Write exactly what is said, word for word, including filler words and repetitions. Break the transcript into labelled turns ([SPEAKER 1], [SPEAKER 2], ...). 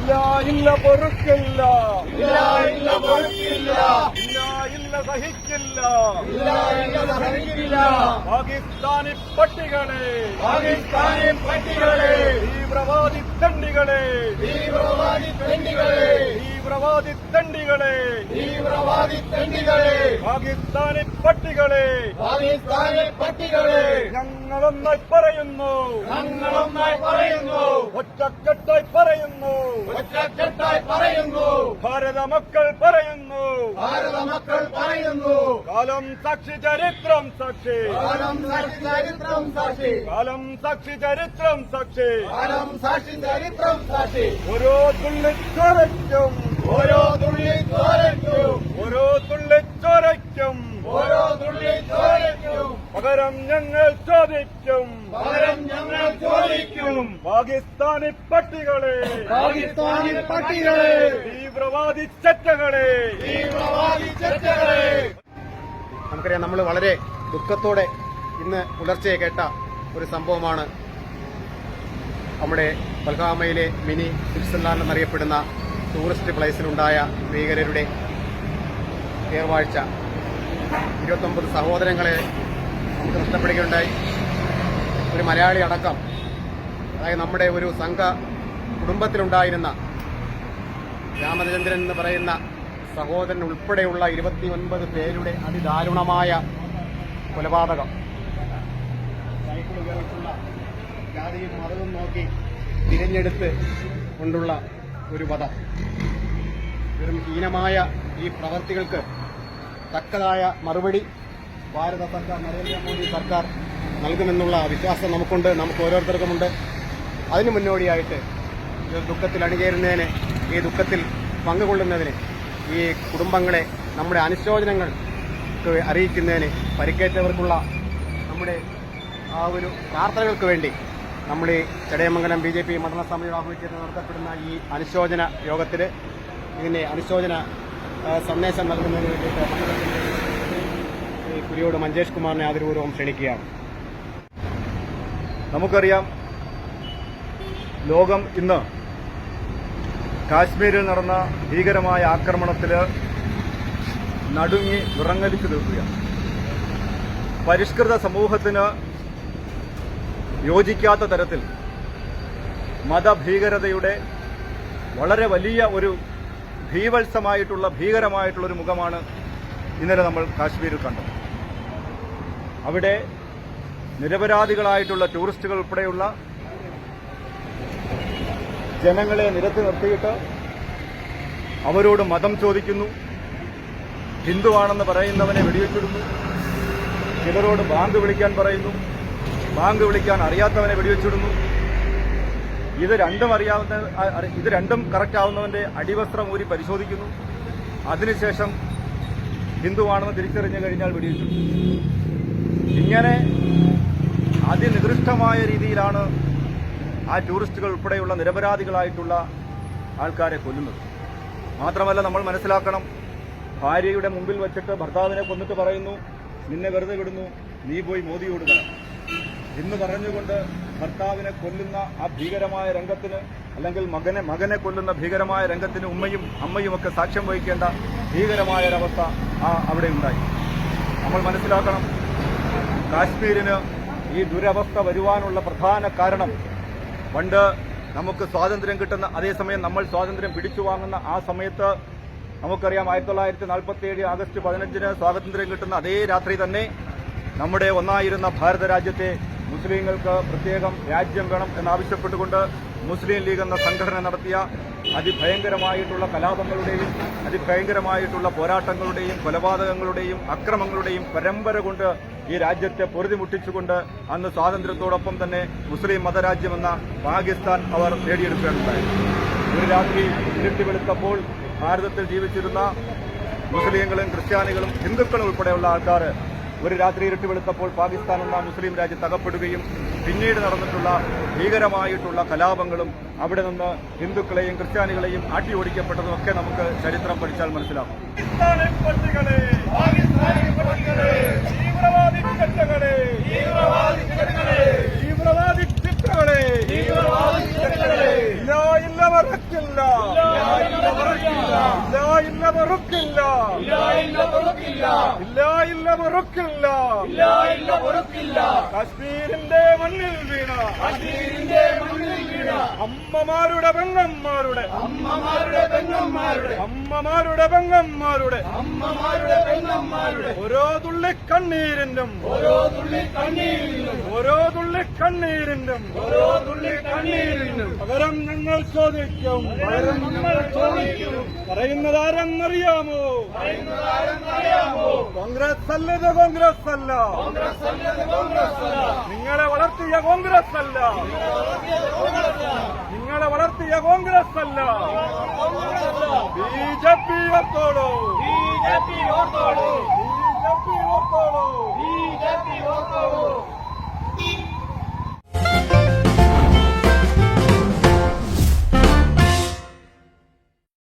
[SPEAKER 1] ഇല്ല ഇല്ല പൊറുക്കില്ല,
[SPEAKER 2] ഇല്ല ഇല്ല പൊറുക്കില്ല,
[SPEAKER 1] ഇല്ല ഇല്ല സഹിക്കില്ല,
[SPEAKER 2] ഇല്ല ഇല്ല സഹിക്കില്ല.
[SPEAKER 1] പാകിസ്ഥാനി പട്ടികളെ,
[SPEAKER 2] പാകിസ്ഥാനി പട്ടികളെ,
[SPEAKER 1] തീവ്രവാദി തണ്ടികളെ,
[SPEAKER 2] തീവ്രവാദി തെണ്ടികളെ,
[SPEAKER 1] തീവ്രവാദി തണ്ടികളെ,
[SPEAKER 2] തീവ്രവാദി തെണ്ടികളെ,
[SPEAKER 1] പാകിസ്ഥാനി പട്ടികളെ,
[SPEAKER 2] പാകിസ്ഥാനി പട്ടികളെ,
[SPEAKER 1] ഞങ്ങളൊന്നായി പറയുന്നു,
[SPEAKER 2] ഞങ്ങളൊന്നായി പറയുന്നു,
[SPEAKER 1] ഒറ്റക്കെട്ടായി പറയുന്നു,
[SPEAKER 2] ഒറ്റക്കെട്ടായി പറയുന്നു,
[SPEAKER 1] ഭാരത മക്കൾ പറയുന്നു,
[SPEAKER 2] ഭാരത മക്കൾ പറയുന്നു.
[SPEAKER 1] കാലം സാക്ഷി ചരിത്രം സാക്ഷി,
[SPEAKER 2] കാലം സാക്ഷി ചരിത്രം സാക്ഷി,
[SPEAKER 1] കാലം സാക്ഷി ചരിത്രം സാക്ഷി,
[SPEAKER 2] കാലം സാക്ഷി ചരിത്രം സാക്ഷി.
[SPEAKER 1] ഓരോ തുള്ളി ചോരയ്ക്കും,
[SPEAKER 2] ഓരോ തുള്ളി ചോരയ്ക്കും,
[SPEAKER 1] ഓരോ തുള്ളി ചോരയ്ക്കും
[SPEAKER 2] ഓരോ തുള്ളി ചോരയ്ക്കും
[SPEAKER 1] പകരം ഞങ്ങൾ ചോദിക്കും,
[SPEAKER 2] പകരം ഞങ്ങൾ ചോദിക്കും.
[SPEAKER 1] പാകിസ്ഥാനി പട്ടികളെ,
[SPEAKER 2] പാകിസ്ഥാനി പട്ടികളെ,
[SPEAKER 1] തീവ്രവാദി ചറ്റകളെ,
[SPEAKER 2] തീവ്രവാദി ചർച്ചകളെ.
[SPEAKER 3] നമുക്കറിയാം, നമ്മൾ വളരെ ദുഃഖത്തോടെ ഇന്ന് പുലർച്ചെ കേട്ട ഒരു സംഭവമാണ് നമ്മുടെ പൽഗാമയിലെ മിനി സ്വിറ്റ്സർലാൻഡ് എന്നറിയപ്പെടുന്ന ടൂറിസ്റ്റ് പ്ലേസിലുണ്ടായ ഭീകരരുടെ ഏർവാഴ്ച. ഇരുപത്തൊമ്പത് സഹോദരങ്ങളെ നമുക്ക് നഷ്ടപ്പെടുകയുണ്ടായി. ഒരു മലയാളി അടക്കം, അതായത് നമ്മുടെ ഒരു സംഘ കുടുംബത്തിലുണ്ടായിരുന്ന രാമചന്ദ്രൻ എന്ന് പറയുന്ന സഹോദരൻ ഉൾപ്പെടെയുള്ള ഇരുപത്തി ഒൻപത് പേരുടെ അതിദാരുണമായ കൊലപാതകം. സൈക്കിൾ ഉപയോഗിച്ചുള്ള ജാതിയും മതവും നോക്കി തിരഞ്ഞെടുത്ത് കൊണ്ടുള്ള ഒരു വധം. വെറും ഹീനമായ ഈ പ്രവർത്തികൾക്ക് തക്കതായ മറുപടി ഭാരത സർക്കാർ, നരേന്ദ്രമോദി സർക്കാർ നൽകുമെന്നുള്ള വിശ്വാസം നമുക്കുണ്ട്, നമുക്ക് ഓരോരുത്തർക്കുമുണ്ട്. അതിനു മുന്നോടിയായിട്ട് ഈ ദുഃഖത്തിൽ അണിചേരുന്നതിന്, ഈ ദുഃഖത്തിൽ പങ്കുകൊള്ളുന്നതിന്, ഈ കുടുംബങ്ങളെ നമ്മുടെ അനുശോചനങ്ങൾ അറിയിക്കുന്നതിന്, പരിക്കേറ്റവർക്കുള്ള നമ്മുടെ ആ ഒരു പ്രാർത്ഥനകൾക്ക് വേണ്ടി നമ്മൾ ഈ ചടയമംഗലം ബി ജെ പി മണ്ഡല സമിതിയുടെ ആഭിമുഖ്യത്തിൽ നടത്തപ്പെടുന്ന ഈ അനുശോചന യോഗത്തിൽ ഇതിന്റെ അനുശോചന സന്ദേശം നൽകുന്നതിന് വേണ്ടിയിട്ട് മണ്ഡലത്തിന്റെ കുരിയോട് മഞ്ചേഷ് കുമാറിനെ ആദരപൂർവ്വം ക്ഷണിക്കുകയാണ്.
[SPEAKER 1] നമുക്കറിയാം, ലോകം ഇന്ന് കാശ്മീരിൽ നടന്ന ഭീകരമായ ആക്രമണത്തിൽ നടുങ്ങി വിറങ്ങലിച്ചു നിൽക്കുകയാണ്. പരിഷ്കൃത സമൂഹത്തിന് യോജിക്കാത്ത തരത്തിൽ മതഭീകരതയുടെ വളരെ വലിയ ഒരു ഭീവത്സമായിട്ടുള്ള ഭീകരമായിട്ടുള്ള ഒരു മുഖമാണ് ഇന്നലെ നമ്മൾ കാശ്മീരിൽ കണ്ടത്. അവിടെ നിരപരാധികളായിട്ടുള്ള ടൂറിസ്റ്റുകൾ ഉൾപ്പെടെയുള്ള ജനങ്ങളെ നിരത്തി നിർത്തിയിട്ട് അവരോട് മതം ചോദിക്കുന്നു, ഹിന്ദുവാണെന്ന് പറയുന്നവനെ വെടിവെച്ചിടുന്നു, ചിലരോട് ബാങ്ക് വിളിക്കാൻ പറയുന്നു, ബാങ്ക് വിളിക്കാൻ അറിയാത്തവനെ വെടിവെച്ചിടുന്നു. ഇത് രണ്ടും അറിയാവുന്ന ഇത് രണ്ടും കറക്റ്റ് ആവുന്നവന്റെ അടിവസ്ത്രം ഊരി പരിശോധിക്കുന്നു. അതിനുശേഷം ഹിന്ദുവാണെന്ന് തിരിച്ചറിഞ്ഞു കഴിഞ്ഞാൽ വെടിവെച്ചിടുന്നു. ഇങ്ങനെ അതിനികൃഷ്ടമായ രീതിയിലാണ് ആ ടൂറിസ്റ്റുകൾ ഉൾപ്പെടെയുള്ള നിരപരാധികളായിട്ടുള്ള ആൾക്കാരെ കൊല്ലുന്നത്. മാത്രമല്ല, നമ്മൾ മനസ്സിലാക്കണം, ഭാര്യയുടെ മുമ്പിൽ വെച്ചിട്ട് ഭർത്താവിനെ കൊന്നിട്ട് പറയുന്നു, നിന്നെ വെറുതെ വിടുന്നു, നീ പോയി മോദിയോട് പറ എന്ന് പറഞ്ഞുകൊണ്ട് ഭർത്താവിനെ കൊല്ലുന്ന ആ ഭീകരമായ രംഗത്തിന്, അല്ലെങ്കിൽ മകനെ മകനെ കൊല്ലുന്ന ഭീകരമായ രംഗത്തിന് ഉമ്മയും അമ്മയുമൊക്കെ സാക്ഷ്യം വഹിക്കേണ്ട ഭീകരമായൊരവസ്ഥ ആ അവിടെ ഉണ്ടായി. നമ്മൾ മനസ്സിലാക്കണം, കാശ്മീരിന് ഈ ദുരവസ്ഥ വരുവാനുള്ള പ്രധാന കാരണം, പണ്ട് നമുക്ക് സ്വാതന്ത്ര്യം കിട്ടുന്ന അതേസമയം നമ്മൾ സ്വാതന്ത്ര്യം പിടിച്ചു വാങ്ങുന്ന ആ സമയത്ത് നമുക്കറിയാം, ആയിരത്തി തൊള്ളായിരത്തി നാൽപ്പത്തി ഏഴ് ആഗസ്റ്റ് പതിനഞ്ചിന് സ്വാതന്ത്ര്യം കിട്ടുന്ന അതേ രാത്രി തന്നെ നമ്മുടെ ഒന്നായിരുന്ന ഭാരത രാജ്യത്തെ മുസ്ലിങ്ങൾക്ക് പ്രത്യേകം രാജ്യം വേണം എന്നാവശ്യപ്പെട്ടുകൊണ്ട് മുസ്ലിം ലീഗ് എന്ന സംഘടന നടത്തിയ അതിഭയങ്കരമായിട്ടുള്ള കലാപങ്ങളുടെയും അതിഭയങ്കരമായിട്ടുള്ള പോരാട്ടങ്ങളുടെയും കൊലപാതകങ്ങളുടെയും അക്രമങ്ങളുടെയും പരമ്പര കൊണ്ട് ഈ രാജ്യത്തെ പൊറുതിമുട്ടിച്ചുകൊണ്ട് അന്ന് സ്വാതന്ത്ര്യത്തോടൊപ്പം തന്നെ മുസ്ലിം മതരാജ്യമെന്ന പാകിസ്ഥാൻ അവർ നേടിയെടുക്കുകയുണ്ടായി. ഒരു രാത്രി ഇരുട്ടി വെളുത്തപ്പോൾ ഭാരതത്തിൽ ജീവിച്ചിരുന്ന മുസ്ലിങ്ങളും ക്രിസ്ത്യാനികളും ഹിന്ദുക്കളും ഉൾപ്പെടെയുള്ള ആൾക്കാർ ഒരു രാത്രി ഇരുട്ടി വെളുത്തപ്പോൾ പാകിസ്ഥാൻ എന്ന മുസ്ലിം രാജ്യത്ത് അകപ്പെടുകയും പിന്നീട് നടന്നിട്ടുള്ള ഭീകരമായിട്ടുള്ള കലാപങ്ങളും അവിടെ നിന്ന് ഹിന്ദുക്കളെയും ക്രിസ്ത്യാനികളെയും ആട്ടി ഓടിക്കപ്പെട്ടതുമൊക്കെ നമുക്ക് ചരിത്രം പഠിച്ചാൽ മനസ്സിലാവും. ഇല്ല മറക്കില്ല, ഇല്ല ഇല്ല മറക്കില്ല, ഇല്ല ഇല്ല മറക്കില്ല, കാശ്മീരിന്റെ മണ്ണിൽ വീണ അമ്മമാരുടെ പെങ്ങന്മാരുടെ
[SPEAKER 2] അമ്മമാരുടെ പെങ്ങന്മാരുടെ
[SPEAKER 1] അമ്മമാരുടെ പെങ്ങന്മാരുടെ
[SPEAKER 2] അമ്മമാരുടെ പെങ്ങന്മാരുടെ
[SPEAKER 1] ഓരോ തുള്ളി കണ്ണീരിനും
[SPEAKER 2] ഓരോ തുള്ളി കണ്ണീരിനും
[SPEAKER 1] ഓരോ തുള്ളി കണ്ണീരിനും
[SPEAKER 2] ഓരോ തുള്ളി കണ്ണീരിനും
[SPEAKER 1] പകരം ഞങ്ങൾ ചോദിക്കും
[SPEAKER 2] പകരം ഞങ്ങൾ ചോദിക്കും.
[SPEAKER 1] പറയുന്നതാരെന്നറിയാമോ?
[SPEAKER 2] പറയുന്നതാരെന്നറിയാമോ?
[SPEAKER 1] കോൺഗ്രസ് അല്ലത് കോൺഗ്രസ് അല്ല,
[SPEAKER 2] കോൺഗ്രസ് അല്ലത് കോൺഗ്രസ് അല്ല,
[SPEAKER 1] നിങ്ങളെ വളർത്തിയ കോൺഗ്രസ് അല്ല, നിങ്ങളെ വളർത്തിയ കോൺഗ്രസ് അല്ല. ബി ജെ പി ഓർത്തോളൂ,
[SPEAKER 2] ബി ജെ പി ഓർത്തോളൂ,
[SPEAKER 1] ബി ജെ പി ഓർത്തോളൂ.
[SPEAKER 2] B J P ഓർത്തോളൂ.